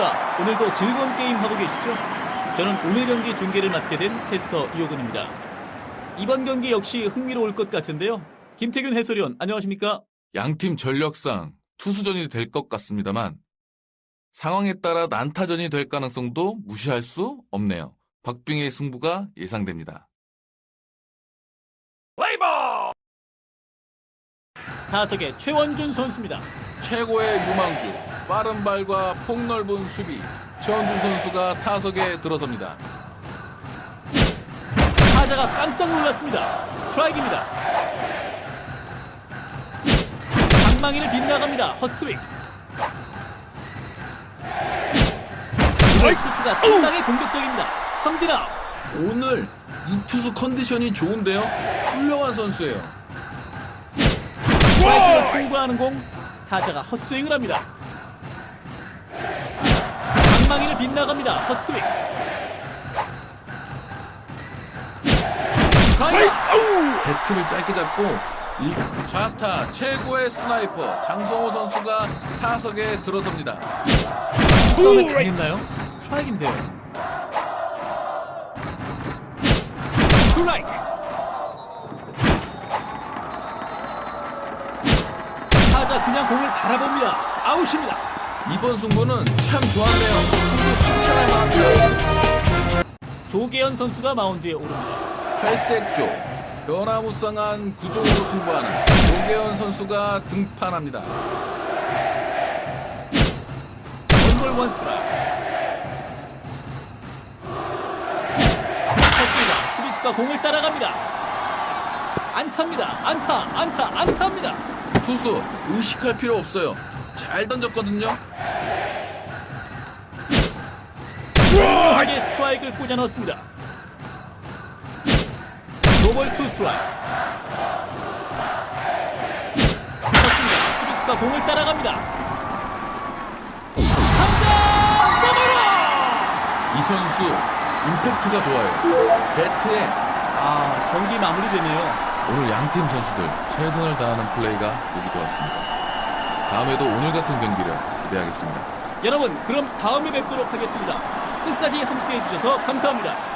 안녕하십니까. 오늘도 즐거운 게임 하고 계시죠? 저는 오늘 경기 중계를 맡게 된 캐스터 이호근입니다. 이번 경기 역시 흥미로울 것 같은데요. 김태균 해설위원 안녕하십니까? 양팀 전력상 투수전이 될 것 같습니다만 상황에 따라 난타전이 될 가능성도 무시할 수 없네요. 박빙의 승부가 예상됩니다. 플레이볼! 타석의 최원준 선수입니다. 최고의 유망주, 빠른 발과 폭넓은 수비, 최원준 선수가 타석에 들어섭니다. 타자가 깜짝 놀랐습니다. 스트라이크입니다. 방망이를 빗나갑니다. 헛스윙. 투수가 상당히 공격적입니다. 삼진아웃. 오늘 이 투수 컨디션이 좋은데요. 훌륭한 선수예요. 스트라이크를 통과하는 공. 타자가 헛스윙을 합니다. 방망이를 빗나갑니다. 헛스윙. 배트를 짧게 잡고 좌타 최고의 스나이퍼 장성호 선수가 타석에 들어섭니다. 싸움에 당했나요? 스트라이크인데요. 스트라이크. 타자 그냥 공을 바라봅니다. 아웃입니다. 이번 승부는 참 좋았네요. 선수 칭찬할 만합니다. 조계현 선수가 마운드에 오릅니다. 탈색조, 변화무쌍한 구종으로 승부하는 조계현 선수가 등판합니다. 원볼 원스트라이크. 쳤습니다. 수비수가 공을 따라갑니다. 안타입니다. 안타입니다. 투수 의식할 필요 없어요. 잘 던졌거든요. 훌륭하게 스트라이크를 꽂아 넣었습니다. 노볼 투 스트라이크. 쳤습니다. 수비수가 공을 따라갑니다. 당장 넘어라! 이 선수 임팩트가 좋아요. 배트에 경기 마무리되네요. 오늘 양팀 선수들 최선을 다하는 플레이가 보기 좋았습니다. 다음에도 오늘 같은 경기를 기대하겠습니다. 여러분, 그럼 다음에 뵙도록 하겠습니다. 끝까지 함께해 주셔서 감사합니다.